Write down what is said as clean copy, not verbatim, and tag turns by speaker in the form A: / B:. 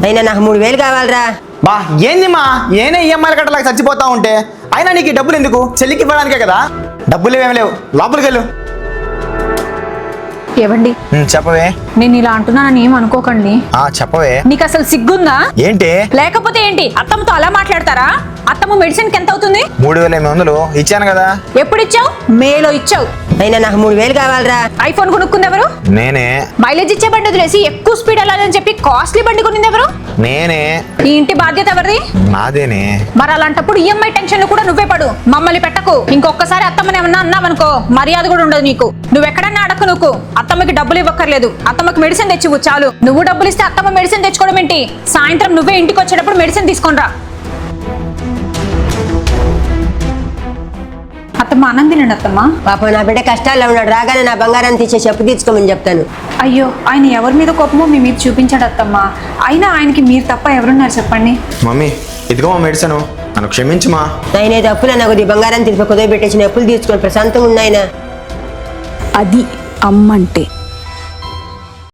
A: అయినా నాకు 3000 కావాలరా.
B: బా ఏంది మా ఏనే ఈఎంఐలు కట్టలేక చచ్చిపోతా ఉంటే అయినా నీకు ఈ డబ్బులు ఎందుకు? చెల్లికి ఇవ్వడానికే కదా. డబ్బులు ఏమేమి లేవు, లోపలికి వెళ్ళు.
C: ఏవండి
B: చెప్పవే.
C: నేను ఇలా అంటున్నానని ఏం అనుకోకండి.
B: చెప్పవే.
C: నీకు అసలు సిగ్గుందా?
B: ఏంటి?
C: లేకపోతే ఏంటి అత్తమ్మతో అలా మాట్లాడతారా? అత్తమ్మ మెడిసిన్ కి ఎంత అవుతుంది?
B: 3800 ఇచ్చాను కదా.
C: ఎప్పుడు ఇచ్చావు? మేలో ఇచ్చావు.
A: అయినా నాకు 3000 కావాలరా.
C: ఐఫోన్ కొనుక్కుంది ఎవరు?
B: నేనే.
C: మైలేజ్ ఇచ్చే బండి వదిలేసి ఎక్కువ స్పీడ్ వెళ్ళాలని చెప్పి కాస్ట్లీ బండి కొనింది ఎవరు?
B: నేనే.
C: ఈ ఇంటి బాధ్యత ఎవరిది?
B: నాదేనే.
C: మరి అలాంటప్పుడు ఈఎంఐ టెన్షన్ కూడా నువ్వే పడు, మమ్మల్ని పెట్టకు. ఇంకొకసారి అత్తమ్మని ఏమన్నా అన్నావనుకో మర్యాద కూడా ఉండదు నీకు. నువ్వెక్కడన్నా అడక్కు. నువ్వు అత్తమ్మకి డబ్బులు ఇవ్వక్కర్లేదు, అత్తమ్మకి మెడిసిన్ తెచ్చివు చాలు. నువ్వు డబ్బులు ఇస్తే అత్తమ్మ మెడిసిన్ తెచ్చుకోవడం ఏంటి? సాయంత్రం నువ్వే ఇంటికి వచ్చేటప్పుడు మెడిసిన్ తీసుకొనిరా. అత్తమ్మ అన్నం తినండి అత్తమ్మ.
A: పాపం నా బిడ్డ కష్టాల్లో ఉన్నాడు, రాగానే నా బంగారాన్ని తీసేసి అప్పు తీసుకోమని చెప్తాను.
C: అయ్యో ఆయన ఎవరి మీద కోపమో మీ మీద చూపించాడు అత్తమ్మ. అయినా ఆయనకి మీరు తప్ప ఎవరున్నారు చెప్పండి?
B: మమ్మీ ఇదిగో మా మెడిసిన్, నన్ను క్షమించుమా.
A: నాయన అప్పులు అన్న కొద్ది బంగారాన్ని తీసి కుదవ పెట్టేసిన అప్పులు తీసుకొని ప్రశాంతంగా ఉన్నాయన.
D: అది అమ్మంటే.